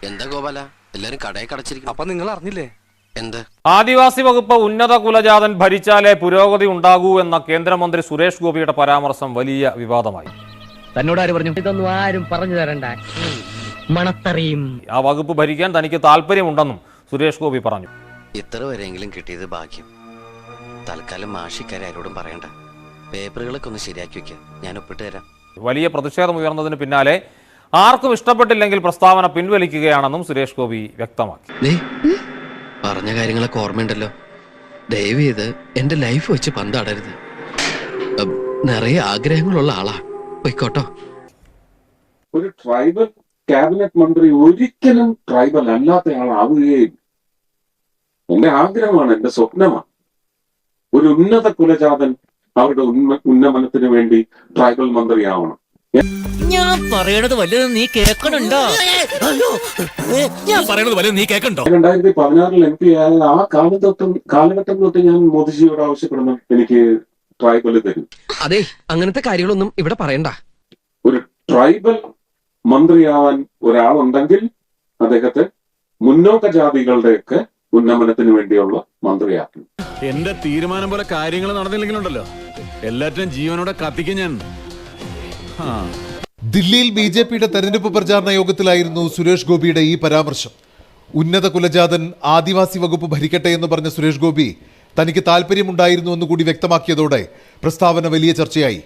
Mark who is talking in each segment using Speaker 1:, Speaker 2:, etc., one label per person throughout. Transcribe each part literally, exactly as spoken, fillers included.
Speaker 1: എന്താ ഗോപാല എല്ലാരും കടയിൽ കടച്ചിരിക്കും.
Speaker 2: അപ്പൊ നിങ്ങൾ അറിഞ്ഞില്ലേ
Speaker 1: എന്ത്?
Speaker 3: ആദിവാസി വകുപ്പ് ഉന്നത കുലജാതൻ ഭരിച്ചാലേ പുരോഗതി ഉണ്ടാകൂ എന്ന കേന്ദ്രമന്ത്രി സുരേഷ് ഗോപിയുടെ പരാമർശം വലിയ വിവാദമായി.
Speaker 4: തന്നോട് ആര് പറഞ്ഞു? ഇതൊന്നും ആരും പറഞ്ഞു തരണ്ട, മണത്തറിയും.
Speaker 3: ആ വകുപ്പ് ഭരിക്കാൻ തനിക്ക് താല്പര്യമുണ്ടെന്നും സുരേഷ് ഗോപി പറഞ്ഞു.
Speaker 1: ഇത്ര വരെയെങ്കിലും കിട്ടിയത് ഭാഗ്യം. തൽക്കാലം മാഷിക്കാരെ ആരോടും പറയണ്ട. പേപ്പറുകളൊക്കെ ഒന്ന് ശരിയാക്കി വെക്കുക, ഞാൻ ഒപ്പിട്ട് തരാം.
Speaker 3: വലിയ പ്രതിഷേധം ഉയർന്നതിന് പിന്നാലെ ആർക്കും ഇഷ്ടപ്പെട്ടില്ലെങ്കിൽ പ്രസ്താവന പിൻവലിക്കുകയാണെന്നും സുരേഷ് ഗോപി വ്യക്തമാക്കി.
Speaker 1: പറഞ്ഞ കാര്യങ്ങളൊക്കെ ഓർമ്മയുണ്ടല്ലോ. ദയവ് ചെയ്ത് എന്റെ ലൈഫ് വെച്ച് പന്താടരുത്. നിറയെ ആഗ്രഹങ്ങളുള്ള ആളാ, പോയിക്കോട്ടോ.
Speaker 5: ഒരു ട്രൈബൽ ക്യാബിനറ്റ് മന്ത്രി ഒരിക്കലും ട്രൈബൽ അല്ലാത്ത ആളാവുകയും എന്റെ ആഗ്രഹമാണ്, എന്റെ സ്വപ്നമാണ്. ഒരു ഉന്നത കുലജാതൻ അവരുടെ ഉന്നമനത്തിന് വേണ്ടി ട്രൈബൽ മന്ത്രിയാവണം.
Speaker 6: ഞാൻ പറയണത് വല്ലതും നീ കേൾക്കണുണ്ടോ? ഞാൻ പറയണത് വല്ലതും നീ കേൾക്കണ്ടോ?
Speaker 5: രണ്ടായിരത്തി പതിനാറിൽ എം പി ആയ ആ കാലഘട്ടം കാലഘട്ടം തൊട്ട് ഞാൻ മോദിജിയോട് ആവശ്യപ്പെടുന്നു, എനിക്ക് ട്രൈബൽ തരും.
Speaker 2: അതെ, അങ്ങനത്തെ കാര്യങ്ങളൊന്നും ഇവിടെ പറയണ്ട.
Speaker 5: ഒരു ട്രൈബൽ മന്ത്രിയാവാൻ ഒരാളുണ്ടെങ്കിൽ അദ്ദേഹത്തെ മുന്നോക്ക ജാതികളുടെയൊക്കെ ഉന്നമനത്തിന് വേണ്ടിയുള്ള മന്ത്രിയാക്കും.
Speaker 7: എന്റെ തീരുമാനം പോലെ കാര്യങ്ങൾ നടന്നില്ലെങ്കിലുണ്ടല്ലോ, എല്ലാറ്റിനും ജീവനോടെ കത്തിക്കും ഞാൻ.
Speaker 8: ദില്ലിയിൽ ബി ജെ പിയുടെ തെരഞ്ഞെടുപ്പ് പ്രചാരണ യോഗത്തിലായിരുന്നു സുരേഷ് ഗോപിയുടെ ഈ പരാമർശം. ഉന്നത കുലജാതൻ ആദിവാസി വകുപ്പ് ഭരിക്കട്ടെ എന്ന് പറഞ്ഞ സുരേഷ് ഗോപി തനിക്ക് താല്പര്യമുണ്ടായിരുന്നു എന്ന് കൂടി വ്യക്തമാക്കിയതോടെ പ്രസ്താവന വലിയ ചർച്ചയായി.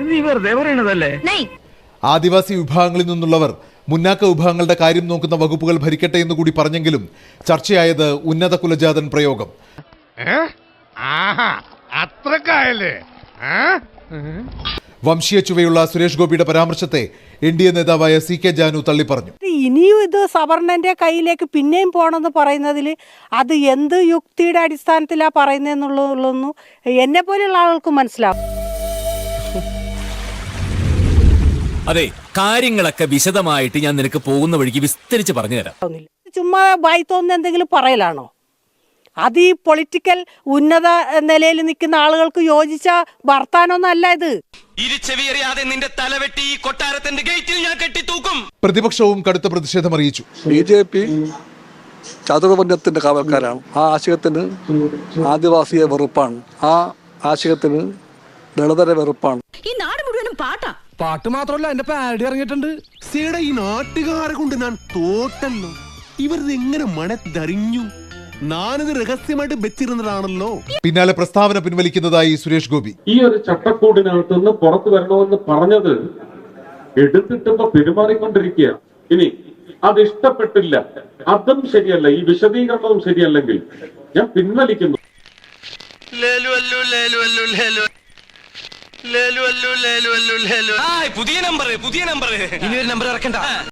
Speaker 8: ആദിവാസി വിഭാഗങ്ങളിൽ നിന്നുള്ളവർ മുന്നാക്ക വിഭാഗങ്ങളുടെ കാര്യം നോക്കുന്ന വകുപ്പുകൾ ഭരിക്കട്ടെ എന്ന് കൂടി പറഞ്ഞെങ്കിലും ചർച്ചയായത് ഉന്നത കുലജാതൻ പ്രയോഗം. വംശീയ ചുവയുള്ള സുരേഷ് ഗോപിയുടെ പരാമർശത്തെ എൻ ഡി എ നേതാവായ സി കെ ജാനു തള്ളിപ്പറഞ്ഞു.
Speaker 9: ഇനിയും ഇത് സവർണന്റെ കയ്യിലേക്ക് പിന്നെയും പോണെന്ന് പറയുന്നതിൽ അത് എന്ത് യുക്തിയുടെ അടിസ്ഥാനത്തിലാ പറയുന്നതെന്നുള്ളതൊന്നും എന്നെ പോലെയുള്ള ആളുകൾക്ക് മനസ്സിലാവും.
Speaker 6: അതെ, കാര്യങ്ങളൊക്കെ വിശദമായിട്ട് ഞാൻ നിനക്ക് പോകുന്ന വഴിക്ക് വിസ്തരിച്ച് പറഞ്ഞു തരാം.
Speaker 9: ചുമ്മാ വായി തോന്നുന്ന എന്തെങ്കിലും പറയലാണോ? അത് ഈ പൊളിറ്റിക്കൽ ഉന്നത നിലയിൽ നിൽക്കുന്ന ആളുകൾക്ക് യോജിച്ച വർത്താനൊന്നും അല്ല ഇത്.
Speaker 8: പ്രതിപക്ഷവും കടുത്ത പ്രതിഷേധം അറിയിച്ചു.
Speaker 10: ബി ജെ പി ചതുർവർണ്ണത്തിന്റെ കാവൽക്കാരാണ്. ആ ആശയത്തിന് ആദിവാസിയെ വെറുപ്പാണ്, ആ ആശയത്തിന് ദളിതരെ വെറുപ്പാണ്.
Speaker 6: ഈ നാട് മുഴുവനും പാട്ടാ.
Speaker 2: പാട്ട് മാത്രമല്ല, എന്റെ പാരഡി ഇറങ്ങിയിട്ടുണ്ട്.
Speaker 7: ഈ നാട്ടുകാരെ കൊണ്ട് ഞാൻ തോട്ടല്ലോ. ഇവരിത് എങ്ങനെ മണത്തറിഞ്ഞു? ഞാനിത് രഹസ്യമായിട്ട് വെച്ചിരുന്നതാണല്ലോ.
Speaker 8: പിന്നാലെ പ്രസ്താവന പിൻവലിക്കുന്നതായി സുരേഷ് ഗോപി.
Speaker 5: ഈ ഒരു ചട്ടക്കൂടിനകത്ത് നിന്ന് പുറത്തു വരണമെന്ന് പറഞ്ഞത് എടുത്തിട്ടുമ്പോ പെരുമാറിക്കൊണ്ടിരിക്കുക. ഇനി അത് ഇഷ്ടപ്പെട്ടില്ല, അതും ശരിയല്ല, ഈ വിശദീകരണവും ശരിയല്ലെങ്കിൽ ഞാൻ പിൻവലിക്കുന്നു.
Speaker 6: പുതിയ നമ്പർ പുതിയ നമ്പർ ഇനി ഒരു നമ്പർ ഇറക്കണ്ട.